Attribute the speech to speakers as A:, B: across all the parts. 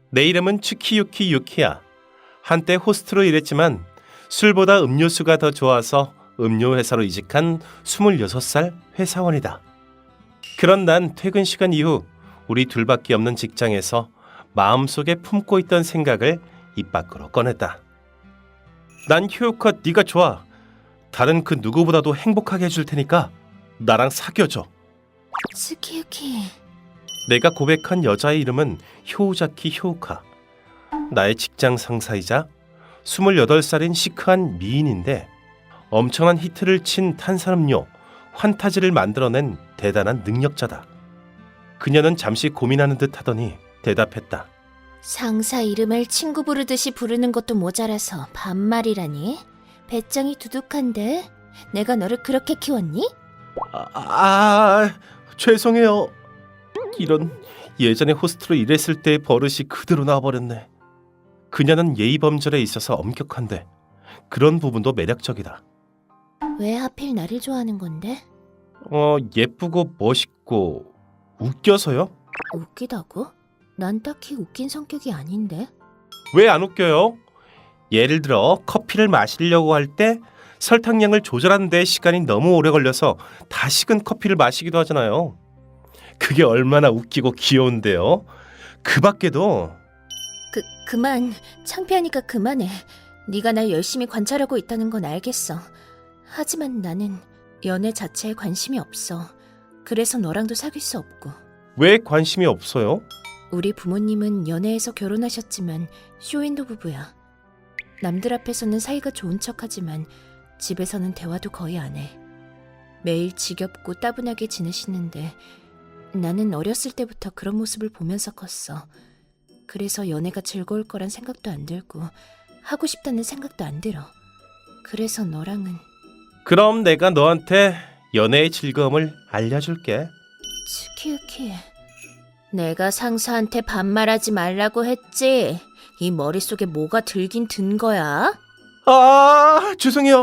A: 내 이름은 츠키유키 유키야. 한때 호스트로 일했지만 술보다 음료수가 더 좋아서 음료회사로 이직한 26살 회사원이다. 그런 난 퇴근 시간 이후 우리 둘밖에 없는 직장에서 마음속에 품고 있던 생각을 입 밖으로 꺼냈다. 난 효우카 네가 좋아. 다른 그 누구보다도 행복하게 해줄 테니까 나랑 사귀어줘.
B: 츠키유키.
A: 내가 고백한 여자의 이름은 효우자키 효우카. 나의 직장 상사이자 28살인 시크한 미인인데 엄청난 히트를 친 탄산음료 환타지를 만들어낸 대단한 능력자다. 그녀는 잠시 고민하는 듯 하더니 대답했다.
B: 상사 이름을 친구 부르듯이 부르는 것도 모자라서 반말이라니? 배짱이 두둑한데? 내가 너를 그렇게 키웠니?
A: 죄송해요. 이런, 예전에 호스트로 일했을 때의 버릇이 그대로 나와버렸네. 그녀는 예의범절에 있어서 엄격한데 그런 부분도 매력적이다.
B: 왜 하필 나를 좋아하는 건데?
A: 예쁘고 멋있고 웃겨서요?
B: 웃기다고? 난 딱히 웃긴 성격이 아닌데.
A: 왜 안 웃겨요? 예를 들어 커피를 마시려고 할 때 설탕량을 조절하는 데 시간이 너무 오래 걸려서 다 식은 커피를 마시기도 하잖아요. 그게 얼마나 웃기고 귀여운데요. 그 밖에도
B: 그만. 창피하니까 그만해. 네가 날 열심히 관찰하고 있다는 건 알겠어. 하지만 나는 연애 자체에 관심이 없어. 그래서 너랑도 사귈 수 없고.
A: 왜 관심이 없어요?
B: 우리 부모님은 연애해서 결혼하셨지만 쇼윈도 부부야. 남들 앞에서는 사이가 좋은 척하지만 집에서는 대화도 거의 안 해. 매일 지겹고 따분하게 지내시는데 나는 어렸을 때부터 그런 모습을 보면서 컸어. 그래서 연애가 즐거울 거란 생각도 안 들고 하고 싶다는 생각도 안 들어. 그래서 너랑은.
A: 그럼 내가 너한테 연애의 즐거움을 알려줄게.
B: 츠키유키. 내가 상사한테 반말하지 말라고 했지. 이 머릿속에 뭐가 들긴 든 거야?
A: 죄송해요.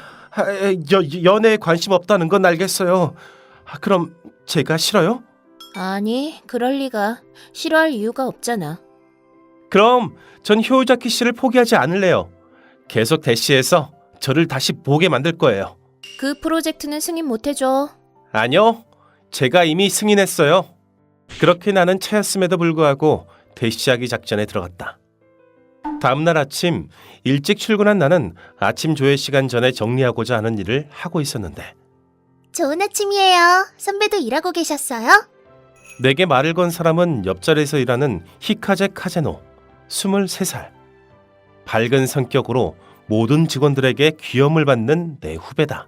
A: 연애에 관심 없다는 건 알겠어요. 그럼 제가 싫어요?
B: 아니, 그럴 리가. 싫어할 이유가 없잖아.
A: 그럼 전 효우자키 씨를 포기하지 않을래요. 계속 대시해서 저를 다시 보게 만들 거예요.
B: 그 프로젝트는 승인 못 해줘.
A: 아니요. 제가 이미 승인했어요. 그렇게 나는 차였음에도 불구하고 대시하기 작전에 들어갔다. 다음날 아침 일찍 출근한 나는 아침 조회 시간 전에 정리하고자 하는 일을 하고 있었는데
B: 좋은 아침이에요. 선배도 일하고 계셨어요?
A: 내게 말을 건 사람은 옆자리에서 일하는 히카제 카제노 23살. 밝은 성격으로 모든 직원들에게 귀염을 받는 내 후배다.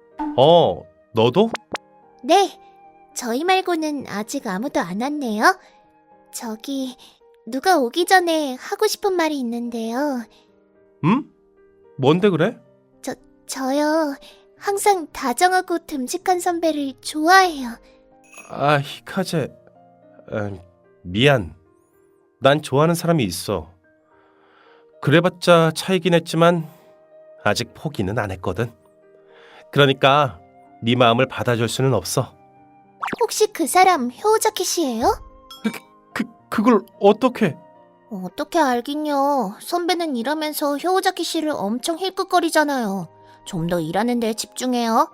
A: 너도?
B: 네. 저희 말고는 아직 아무도 안 왔네요. 저기 누가 오기 전에 하고 싶은 말이 있는데요.
A: 뭔데 그래?
B: 저요. 항상 다정하고 듬직한 선배를 좋아해요.
A: 히카제. 미안. 난 좋아하는 사람이 있어. 그래봤자 차이긴 했지만 아직 포기는 안 했거든. 그러니까 네 마음을 받아줄 수는 없어.
B: 혹시 그 사람 효우자키 씨예요?
A: 그걸 어떻게?
B: 어떻게 알긴요. 선배는 일하면서 효우자키 씨를 엄청 힐끗거리잖아요. 좀 더 일하는 데 집중해요.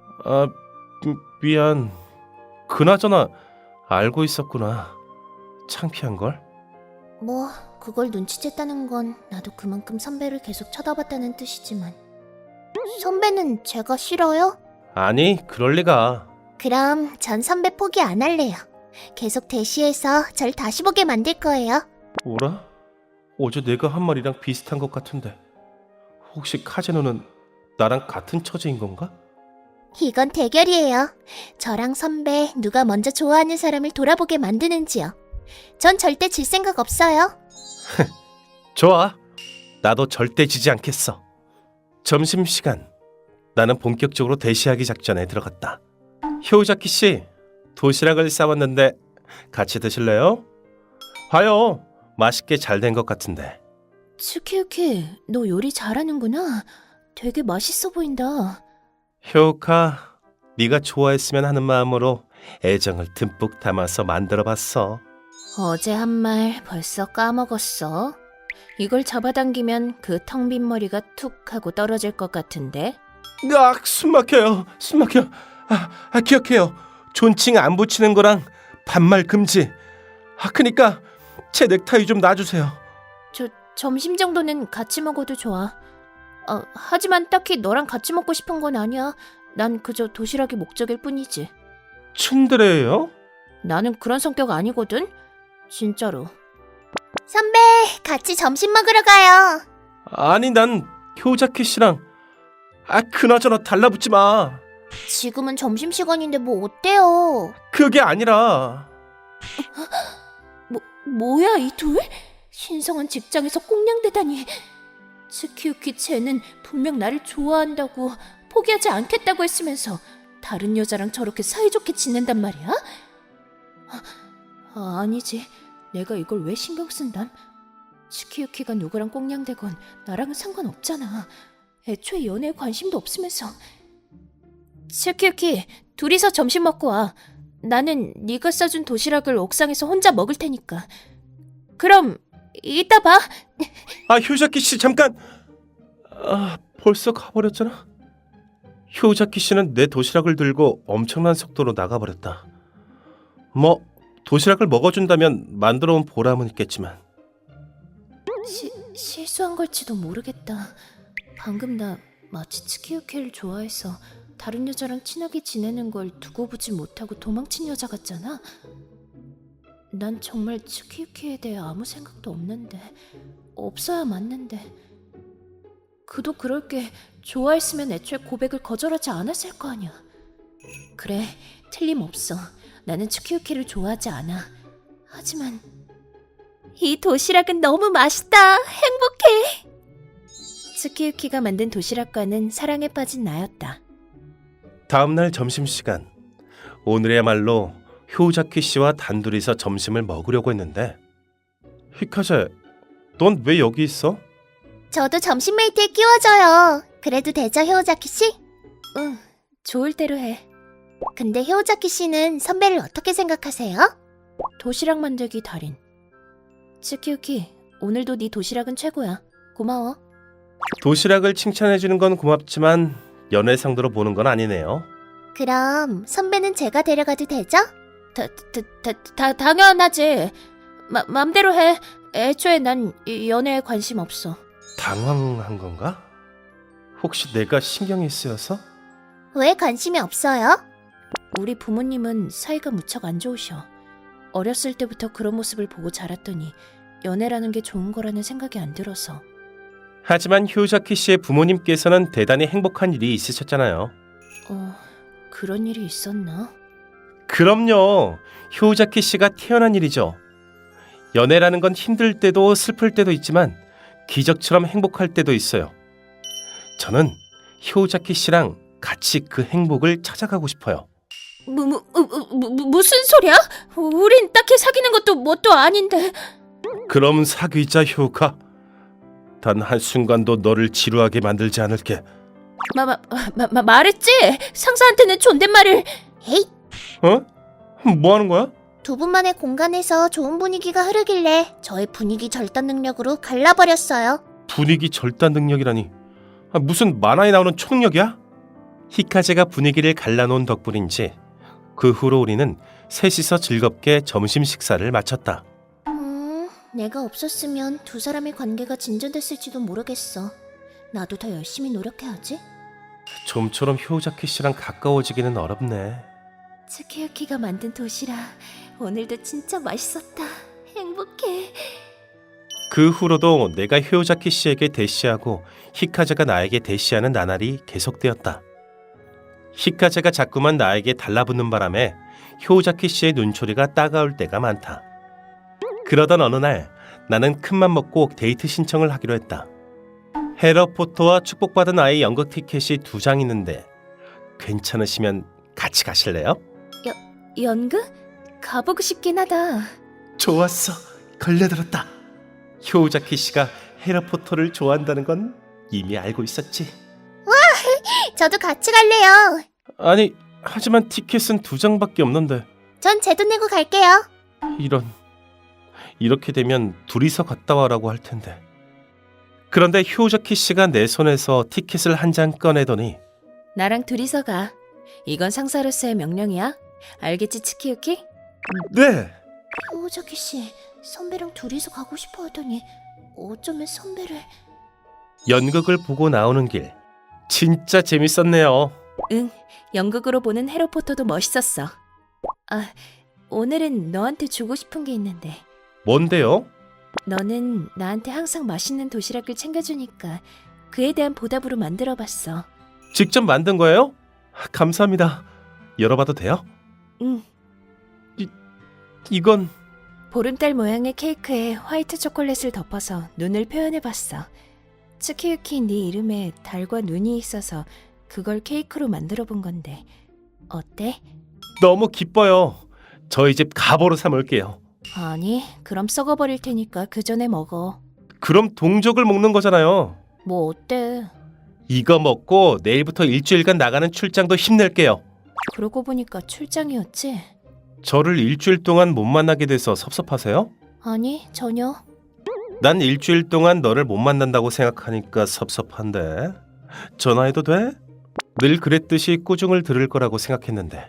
A: 미안. 그나저나 알고 있었구나. 창피한걸?
B: 뭐 그걸 눈치챘다는 건 나도 그만큼 선배를 계속 쳐다봤다는 뜻이지만. 선배는 제가 싫어요?
A: 아니, 그럴 리가.
B: 그럼 전 선배 포기 안 할래요. 계속 대시해서 절 다시 보게 만들 거예요.
A: 뭐라? 어제 내가 한 말이랑 비슷한 것 같은데 혹시 카제노는 나랑 같은 처지인 건가?
B: 이건 대결이에요. 저랑 선배 누가 먼저 좋아하는 사람을 돌아보게 만드는지요. 전 절대 질 생각 없어요.
A: 좋아. 나도 절대 지지 않겠어. 점심시간. 나는 본격적으로 대시하기 작전에 들어갔다. 효우자키 씨, 도시락을 싸왔는데 같이 드실래요? 봐요. 맛있게 잘 된 것 같은데.
B: 츠키유키, 너 요리 잘하는구나. 되게 맛있어 보인다.
A: 효우카, 네가 좋아했으면 하는 마음으로 애정을 듬뿍 담아서 만들어봤어.
B: 어제 한 말 벌써 까먹었어. 이걸 잡아당기면 그 텅 빈 머리가 툭 하고 떨어질 것 같은데.
A: 숨 막혀요. 숨 막혀. 기억해요. 존칭 안 붙이는 거랑 반말 금지. 그니까 제 넥타이 좀 놔주세요.
B: 점심 정도는 같이 먹어도 좋아. 하지만 딱히 너랑 같이 먹고 싶은 건 아니야. 난 그저 도시락이 목적일 뿐이지.
A: 츤드레예요?
B: 나는 그런 성격 아니거든. 진짜로.
C: 선배, 같이 점심 먹으러 가요.
A: 아니 난 효자키 씨랑 그나저나 달라붙지 마.
C: 지금은 점심시간인데 뭐 어때요?
A: 그게 아니라
B: 뭐야 이 둘? 신성한 직장에서 꽁냥대다니. 츠키유키 쟤는 분명 나를 좋아한다고 포기하지 않겠다고 했으면서 다른 여자랑 저렇게 사이좋게 지낸단 말이야? 아니지. 내가 이걸 왜 신경 쓴담? 츠키유키가 누구랑 꽁냥대건 나랑은 상관없잖아. 애초에 연애에 관심도 없으면서. 츠키유키, 둘이서 점심 먹고 와. 나는 네가 싸준 도시락을 옥상에서 혼자 먹을 테니까. 그럼 이따 봐.
A: 효자키 씨 잠깐. 벌써 가버렸잖아. 효자키 씨는 내 도시락을 들고 엄청난 속도로 나가버렸다. 뭐 도시락을 먹어준다면 만들어 온 보람은 있겠지만.
B: 실수한 걸지도 모르겠다. 방금 나 마치 츠키유키를 좋아해서 다른 여자랑 친하게 지내는 걸 두고 보지 못하고 도망친 여자 같잖아. 난 정말 츠키유키에 대해 아무 생각도 없는데, 없어야 맞는데. 그도 그럴 게 좋아했으면 애초에 고백을 거절하지 않았을 거 아니야. 그래, 틀림없어. 나는 츠키유키를 좋아하지 않아. 하지만 이 도시락은 너무 맛있다. 행복해. 츠키유키가 만든 도시락과는 사랑에 빠진 나였다.
A: 다음날 점심시간. 오늘이야말로 효자키 씨와 단둘이서 점심을 먹으려고 했는데. 히카제, 넌 왜 여기 있어?
C: 저도 점심 메이트에 끼워줘요. 그래도 되죠, 효자키 씨?
B: 응, 좋을 대로 해.
C: 근데 효자키 씨는 선배를 어떻게 생각하세요?
B: 도시락 만들기 달인. 츠키유키, 오늘도 네 도시락은 최고야. 고마워.
A: 도시락을 칭찬해주는 건 고맙지만 연애 상대로 보는 건 아니네요.
C: 그럼 선배는 제가 데려가도 되죠?
B: 당연하지. 맘대로 해. 애초에 난 연애에 관심 없어.
A: 당황한 건가? 혹시 내가 신경이 쓰여서?
C: 왜 관심이 없어요?
B: 우리 부모님은 사이가 무척 안 좋으셔. 어렸을 때부터 그런 모습을 보고 자랐더니 연애라는 게 좋은 거라는 생각이 안 들어서.
A: 하지만 효자키 씨의 부모님께서는 대단히 행복한 일이 있으셨잖아요.
B: 그런 일이 있었나?
A: 그럼요. 효자키 씨가 태어난 일이죠. 연애라는 건 힘들 때도 슬플 때도 있지만 기적처럼 행복할 때도 있어요. 저는 효자키 씨랑 같이 그 행복을 찾아가고 싶어요.
B: 무슨 소리야? 우린 딱히 사귀는 것도 뭣도 아닌데.
A: 그럼 사귀자, 효가. 단 한순간도 너를 지루하게 만들지 않을게.
B: 말했지? 상사한테는 존댓말을.
C: 에이,
A: 뭐 하는 거야?
C: 두 분만의 공간에서 좋은 분위기가 흐르길래 저의 분위기 절단 능력으로 갈라버렸어요.
A: 분위기 절단 능력이라니. 무슨 만화에 나오는 초능력이야? 히카제가 분위기를 갈라놓은 덕분인지 그 후로 우리는 셋이서 즐겁게 점심 식사를 마쳤다.
C: 내가 없었으면 두 사람의 관계가 진전됐을지도 모르겠어. 나도 더 열심히 노력해야지.
A: 좀처럼 효자키 씨랑 가까워지기는 어렵네.
B: 츠키유키가 만든 도시락 오늘도 진짜 맛있었다. 행복해.
A: 그 후로도 내가 효자키 씨에게 대시하고 히카제가 나에게 대시하는 나날이 계속되었다. 히카제가 자꾸만 나에게 달라붙는 바람에 효자키 씨의 눈초리가 따가울 때가 많다. 그러던 어느 날 나는 큰맘 먹고 데이트 신청을 하기로 했다. 헤러포터와 축복받은 아이 연극 티켓이 2장 있는데 괜찮으시면 같이 가실래요?
B: 연극? 가보고 싶긴 하다.
A: 좋았어. 걸려들었다. 효자키 씨가 헤러포터를 좋아한다는 건 이미 알고 있었지.
C: 저도 같이 갈래요.
A: 아니, 하지만 티켓은 2장밖에 없는데.
C: 전 제 돈 내고 갈게요.
A: 이런, 이렇게 되면 둘이서 갔다 와라고 할 텐데. 그런데 효자키 씨가 내 손에서 티켓을 한 장 꺼내더니
B: 나랑 둘이서 가. 이건 상사로서의 명령이야. 알겠지, 츠키유키?
A: 네!
C: 효자키 씨, 선배랑 둘이서 가고 싶어 하더니 어쩌면 선배를...
A: 연극을 보고 나오는 길. 진짜 재밌었네요.
B: 응, 연극으로 보는 해로포터도 멋있었어. 아, 오늘은 너한테 주고 싶은 게 있는데.
A: 뭔데요?
B: 너는 나한테 항상 맛있는 도시락을 챙겨주니까 그에 대한 보답으로 만들어봤어.
A: 직접 만든 거예요? 감사합니다. 열어봐도 돼요?
B: 응,
A: 이건...
B: 보름달 모양의 케이크에 화이트 초콜릿을 덮어서 눈을 표현해봤어. 츠키유키 네 이름에 달과 눈이 있어서 그걸 케이크로 만들어본 건데 어때?
A: 너무 기뻐요. 저희 집 가보로 삼을게요.
B: 아니, 그럼 썩어버릴 테니까 그 전에 먹어.
A: 그럼 동족을 먹는 거잖아요.
B: 뭐 어때?
A: 이거 먹고 내일부터 일주일간 나가는 출장도 힘낼게요.
B: 그러고 보니까 출장이었지?
A: 저를 일주일 동안 못 만나게 돼서 섭섭하세요?
B: 아니, 전혀.
A: 난 일주일 동안 너를 못 만난다고 생각하니까 섭섭한데. 전화해도 돼? 늘 그랬듯이 꾸중을 들을 거라고 생각했는데.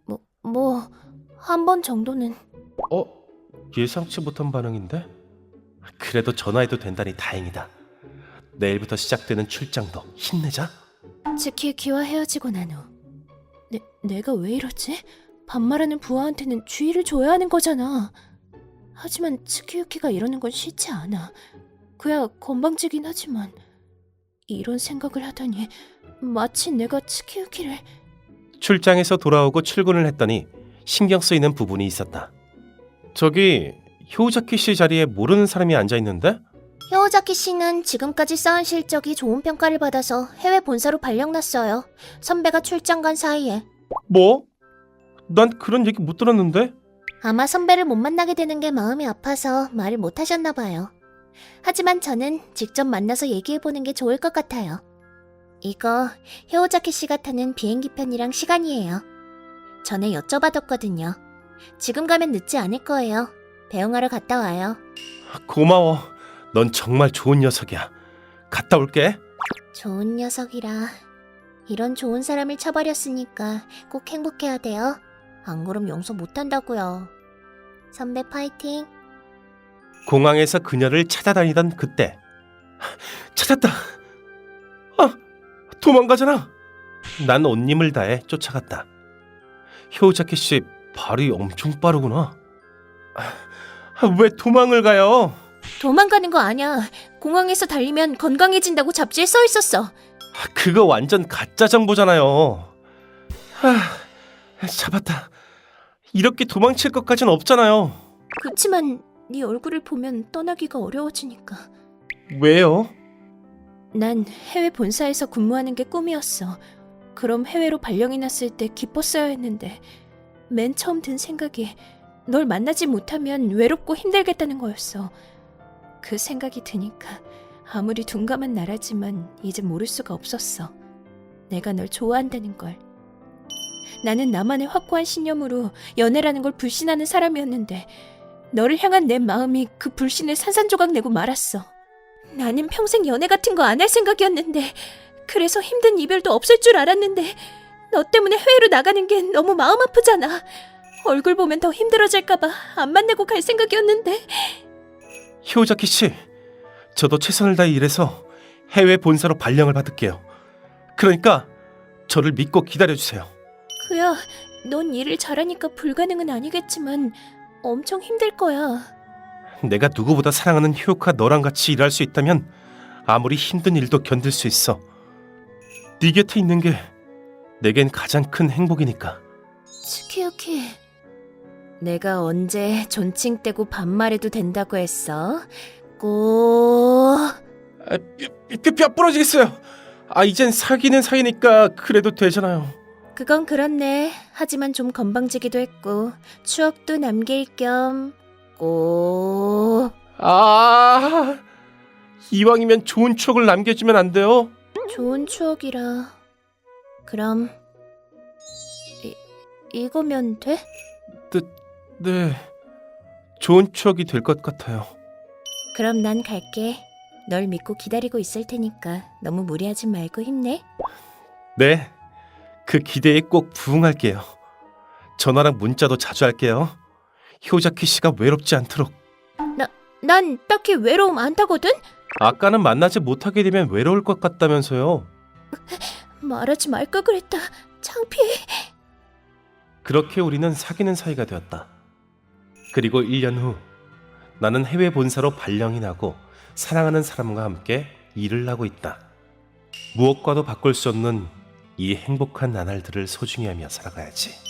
B: 한 번 정도는.
A: 예상치 못한 반응인데? 그래도 전화해도 된다니 다행이다. 내일부터 시작되는 출장도 힘내자.
B: 츠키유키와 헤어지고 난 후. 내가 왜 이러지? 반말하는 부하한테는 주의를 줘야 하는 거잖아. 하지만 츠키유키가 이러는 건 싫지 않아. 그야 건방지긴 하지만 이런 생각을 하다니 마치 내가 츠키유키를...
A: 출장에서 돌아오고 출근을 했더니 신경 쓰이는 부분이 있었다. 저기 효자키 씨 자리에 모르는 사람이 앉아있는데?
C: 효자키 씨는 지금까지 쌓은 실적이 좋은 평가를 받아서 해외 본사로 발령났어요. 선배가 출장 간 사이에.
A: 뭐? 난 그런 얘기 못 들었는데?
C: 아마 선배를 못 만나게 되는 게 마음이 아파서 말을 못 하셨나 봐요. 하지만 저는 직접 만나서 얘기해보는 게 좋을 것 같아요. 이거 효자키 씨가 타는 비행기 편이랑 시간이에요. 전에 여쭤봐뒀거든요. 지금 가면 늦지 않을 거예요. 배웅하러 갔다 와요.
A: 고마워. 넌 정말 좋은 녀석이야. 갔다 올게.
C: 좋은 녀석이라. 이런 좋은 사람을 쳐버렸으니까 꼭 행복해야 돼요. 안 그럼 용서 못한다고요. 선배 파이팅.
A: 공항에서 그녀를 찾아다니던 그때 찾았다. 도망가잖아. 난 온 힘을 다해 쫓아갔다. 효자키 씨 발이 엄청 빠르구나. 왜 도망을 가요?
B: 도망가는 거 아니야. 공항에서 달리면 건강해진다고 잡지에 써 있었어.
A: 그거 완전 가짜 정보잖아요. 잡았다. 이렇게 도망칠 것까진 없잖아요.
B: 그치만 네 얼굴을 보면 떠나기가 어려워지니까.
A: 왜요?
B: 난 해외 본사에서 근무하는 게 꿈이었어. 그럼 해외로 발령이 났을 때 기뻤어야 했는데 맨 처음 든 생각이 널 만나지 못하면 외롭고 힘들겠다는 거였어. 그 생각이 드니까 아무리 둔감한 나라지만 이제 모를 수가 없었어. 내가 널 좋아한다는 걸. 나는 나만의 확고한 신념으로 연애라는 걸 불신하는 사람이었는데 너를 향한 내 마음이 그 불신을 산산조각 내고 말았어. 나는 평생 연애 같은 거 안 할 생각이었는데 그래서 힘든 이별도 없을 줄 알았는데 너 때문에 해외로 나가는 게 너무 마음 아프잖아. 얼굴 보면 더 힘들어질까봐 안 만나고 갈 생각이었는데.
A: 효자키 씨, 저도 최선을 다해 일해서 해외 본사로 발령을 받을게요. 그러니까 저를 믿고 기다려주세요.
B: 그야 넌 일을 잘하니까 불가능은 아니겠지만 엄청 힘들 거야.
A: 내가 누구보다 사랑하는 효카 너랑 같이 일할 수 있다면 아무리 힘든 일도 견딜 수 있어. 네 곁에 있는 게 내겐 가장 큰 행복이니까.
B: 츠키유키, 내가 언제 존칭 떼고 반말해도 된다고 했어? 꼭...
A: 뼈 부러지겠어요. 이젠 사귀는 사이니까 그래도 되잖아요.
B: 그건 그렇네. 하지만 좀 건방지기도 했고 추억도 남길 겸 꼭...
A: 이왕이면 좋은 추억을 남겨주면 안 돼요?
B: 좋은 추억이라... 그럼... 이거면 돼?
A: 네, 좋은 추억이 될 것 같아요.
B: 그럼 난 갈게. 널 믿고 기다리고 있을 테니까 너무 무리하지 말고 힘내.
A: 네, 그 기대에 꼭 부응할게요. 전화랑 문자도 자주 할게요. 효자키 씨가 외롭지 않도록.
B: 난 딱히 외로움 안 타거든?
A: 아까는 만나지 못하게 되면 외로울 것 같다면서요.
B: 말하지 말걸 그랬다. 창피해.
A: 그렇게 우리는 사귀는 사이가 되었다. 그리고 1년 후 나는 해외 본사로 발령이 나고 사랑하는 사람과 함께 일을 하고 있다. 무엇과도 바꿀 수 없는 이 행복한 나날들을 소중히 하며 살아가야지.